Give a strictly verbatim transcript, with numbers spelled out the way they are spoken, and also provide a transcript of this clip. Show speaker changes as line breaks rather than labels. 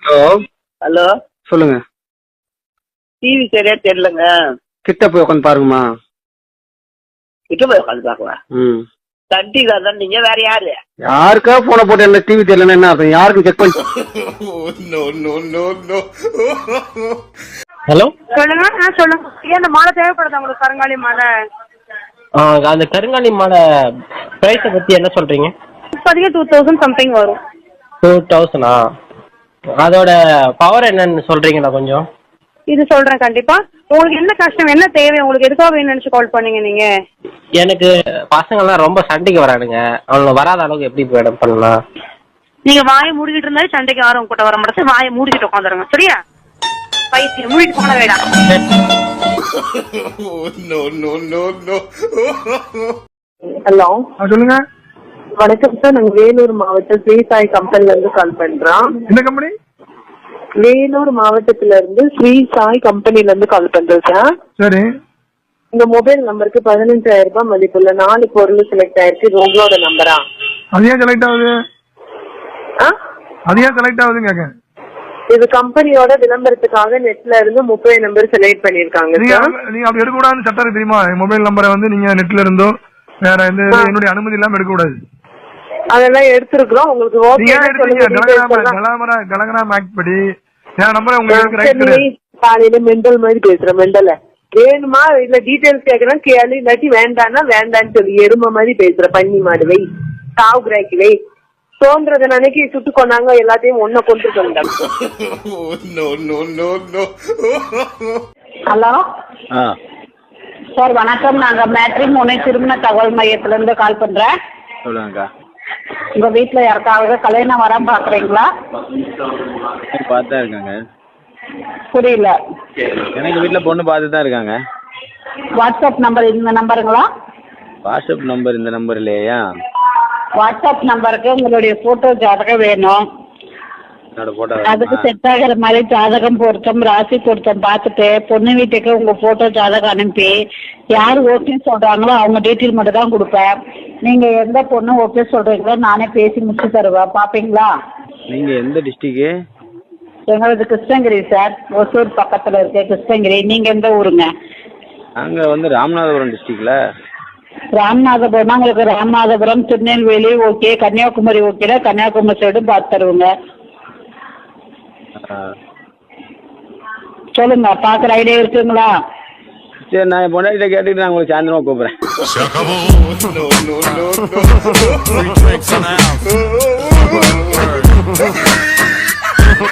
Hello
hello,
சொல்லுங்க.
TV சரியா தெரியலங்க.
கிட்ட போய் உட்காந்து பாருங்கம்மா.
கிட்ட போய் உட்காந்து பாக்கலாம்.
ம்
சன் டிவி தான். நீங்க வேற யாரு?
யாருக்கா போன போட்டு என்ன டிவி தெரியலன்னா என்ன அர்த்தம்? யாருக்கும் செக் பண்ணி.
ஹலோ
சொல்லுங்க. ஆ சொல்லுங்க. ஏன் அந்த மாலை தேவைப்படுது உங்களுக்கு? கருங்காலி மாலை.
ஆ அந்த கருங்காலி மாலை ப்ரைஸை பற்றி என்ன சொல்கிறீங்க?
இப்போதைக்கு டூ தௌசண்ட் சம்திங் வரும்.
டூ தௌசண்டா? அதோட பவர் என்னன்னு சொல்கிறீங்களா கொஞ்சம்?
இது சொல்றேன் கண்டிப்பா. உங்களுக்கு என்ன கஷ்டம், என்ன தேவை, உங்களுக்கு எதுக்காக வேணும்னு நினைச்சு கால் பண்ணீங்க நீங்க?
எனக்கு பசங்கள்லாம் ரொம்ப சண்டைக்கு வரானுங்க. அவங்க வராத அளவுக்கு எப்படி மேடம் பண்ணலாம்?
நீங்க வாயை மூடிக்கிட்டு இருந்தாலே சண்டைக்கு யாரும் உங்ககிட்ட வர மாட்டேன். வாயை மூடிக்கிட்டு உட்காந்துருங்க, சரியா? பைத்தியம் மூடிட்டு போன வேடா.
ஹலோ
சொல்லுங்க.
வணக்கம் சார், நாங்க வேலூர் மாவட்டம் ஸ்ரீ சாய் கம்பெனில இருந்து கால் பண்றோம்.
என்ன கம்பெனி?
வேலூர் மாவட்டத்துல இருந்து ஸ்ரீ சாய் கம்பெனில இருந்து கால் பண்றோம் சார்.
சரி.
உங்க மொபைல் நம்பருக்கு பதினஞ்சாயிரம் ரூபாய் மதிப்புள்ள நாலு பொருள் செலக்ட் ஆயிருக்கு. இது உங்களோட நம்பரா?
அது ஏன் செலக்ட் ஆகுது?
ஆ?
அது ஏன் செலக்ட் ஆகுதுன்னு கேட்க.
இது கம்பெனியோட விளம்பரத்துக்காக நெட்ல இருந்து முப்பது நம்பர் செலக்ட் பண்ணிருக்காங்க.
நீங்க நீங்க அப்படி எடுக்கக்கூடாதுன்னு சட்டம் இருக்கு தெரியுமா? மொபைல் நம்பரை வந்து நீங்க நெட்ல இருந்தோ வேற எந்த என்னுடைய அனுமதி இல்லாம எடுக்கக்கூடாது.
அதெல்லாம் எடுத்துருக்கோம். உங்களுக்கு
கலகராம் ஆக்ட் படி என் நம்பரை உங்களுக்கு ரைட் கிடையாது.
காலையில மெண்டல் மாதிரி பேசுற மெண்டல வேணுமா இல்ல டீடைல்ஸ் கேட்கலாம் கேளு, இல்லாட்டி வேண்டான்னா வேண்டான்னு சொல்லி எருமை மாதிரி பேசுற பண்ணி மாடு வை, சாவு கிராக்கி வை, தோன்றத நினைக்கி சுட்டு கொண்டாங்க எல்லாத்தையும் ஒன்ன கொண்டு கொண்டாங்க.
ஹலோ சார், வணக்கம். நாங்க மேட்ரிமோனி திருமண தகவல் மையத்துல இருந்து கால் பண்றேன்.
சொல்லுங்கக்கா.
உங்க வீட்டுல யாருக்காவது கல்யாணம் வர பாக்குறீங்களா?
பார்த்துதான் இருக்காங்க.
புரியல.
எனக்கு வீட்டுல பொண்ணு பார்த்து தான் இருக்காங்க.
வாட்ஸ்அப் நம்பர் இந்த நம்பருங்களா?
வாட்ஸ்அப் நம்பர் இந்த நம்பர் இல்லையா?
வாட்ஸ்அப் நம்பருக்கு உங்களுடைய போட்டோ ஜாதகம் வேணும்.
என்னோட போட்டோ
அதுக்கு செட் ஆகிற மாதிரி ஜாதகம் பொருத்தம் ராசி பொருத்தம் பார்த்துட்டு பொண்ணு வீட்டுக்கு உங்க போட்டோ ஜாதகம் அனுப்பி யார் ஓகே சொல்றாங்களோ அவங்க டீட்டெயில் மட்டும் தான் கொடுப்பேன். நீங்க எந்த பொண்ணு ஓகே சொல்றீங்களோ நானே பேசி முடிச்சு தருவேன். பாப்பீங்களா?
நீங்க எந்த டிஸ்ட்ரிக்ட்?
எங்களது கிருஷ்ணகிரி சார், ஒசூர் பக்கத்துல இருக்கு கிருஷ்ணகிரி. நீங்க எந்த ஊருங்க?
அங்க வந்து ராமநாதபுரம் டிஸ்ட்ரிக்ட்ல.
ராமநாதபுரம் உங்களுக்கு ராமநாதபுரம் திருநெல்வேலி ஓகே, கன்னியாகுமரி ஓகேனா கன்னியாகுமரி சைடு பார்த்து தருவோங்க. சொல்லுங்க, பாக்குற ஐடியா இருக்குங்களா?
சரி, நான் என் பொண்டாட்டிட்ட கேட்டுட்டு நான் உங்களுக்கு சாயந்தரமா கூப்பிடுறேன்.